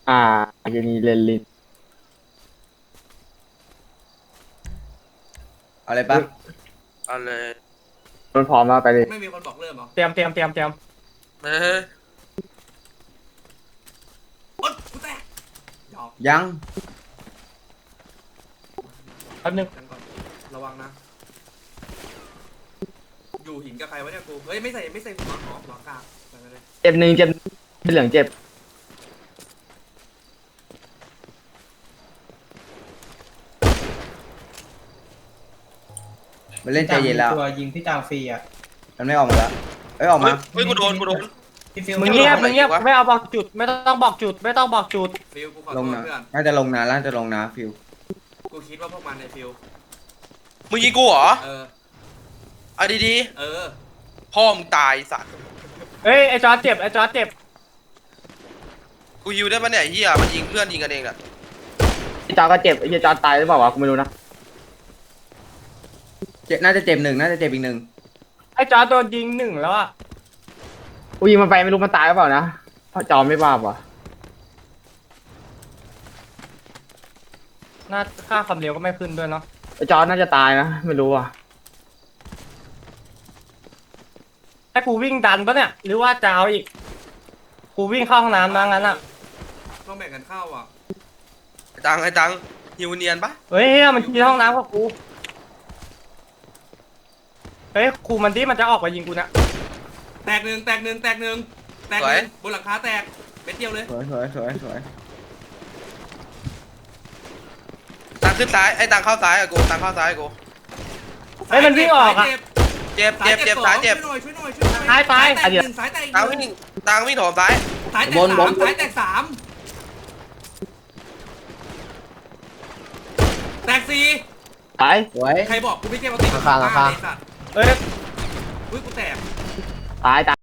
อ่ายูนีเลนลินเอาเลยปะเอาเลยมันพร้อมแล้วไปเลยไม่มีคนบอกเริ่มเหรอเตรียมเออโอ๊ยกูแตกหยอกยังแป๊บนึงกันก่อนระวังนะ อยู่หินกับใครวะเนี่ยกู เฮ้ยไม่ใส่หัวอ๋อหัวกากไปเลยเจ็บหนึ่งเจ็บเป็นเหลืองเจ็บมันเล่นใจเย็นแล้วตัวยิงพี่จางฟรีอ่ะมันไม่ออกมาแล้วเอ้ยออกมาเฮ้ยกูโดนพี่ฟิลมึงเงียบไม่เอาบอกจุดไม่ต้องบอกจุดไม่ต้องบอกจุดฟิลกูขอลโทงษนะเพื่อนน่าจะลงนะน่าจะลงนะฟิวกูคิดว่าพวกมันในฟิลมึงยิงกูเหรอเออเอาดีเออๆพ่อมึงตายสัตว์เฮ้ยไอจอร์จเจ็บกูฮิวได้ปะเนี่ยไอ้เฮียมันยิงเพื่อนยิงกันเองน่ะพี่จอก็เจ็บไอ้เหี้ยจอตายหรือเปล่าวะกูไม่รู้นะน่าจะเจ็บหนึ่งน่าจะเจ็บอีกหนึ่งไอจอร์จโดนยิงหนึ่งแล้วอ่ะกูยิงมันไปไม่รู้มันตายหรือเปล่านะเพราะจอไม่บ้าว่ะน่าค่าความเร็วก็ไม่ขึ้นด้วยเนาะไอ้จอน่าจะตายนะไม่รู้ว่ะให้กูวิ่งดันปะเนี่ยหรือว่าจะเอาอีกกูวิ่งเข้าห้องน้ำมางั้นอ่ะต้องแบ่งกันเข้าอ่ะไอ้ตังฮิวเนียนปะเฮ้ยมันที่ห้องน้ำกับกูเฮ้ยครูมันที่มันจะออกไปยิงกูนะแตกหนึ่งบนหลังคาแตกเป็นเดียวเลยสวยสวยสวยสวยตังขึ้นซ้ายไอ้ตังเข้าซ้ายอะกูตังเข้าซ้ายอะกูเฮ้ยมันวิ่งออกอ่ะเจ็บซ้ายเจ็บช่วยหน่อยช่วยหน่อยตายแตกหนึ่งสายแตกตังวิ่งโถมซ้ายสายแตกสามแตกสี่ตายสวยใครบอกกูไม่ใช่ปกติราคาไอ้สัตว์เฮ้ยอุ้ยกูแตกตาย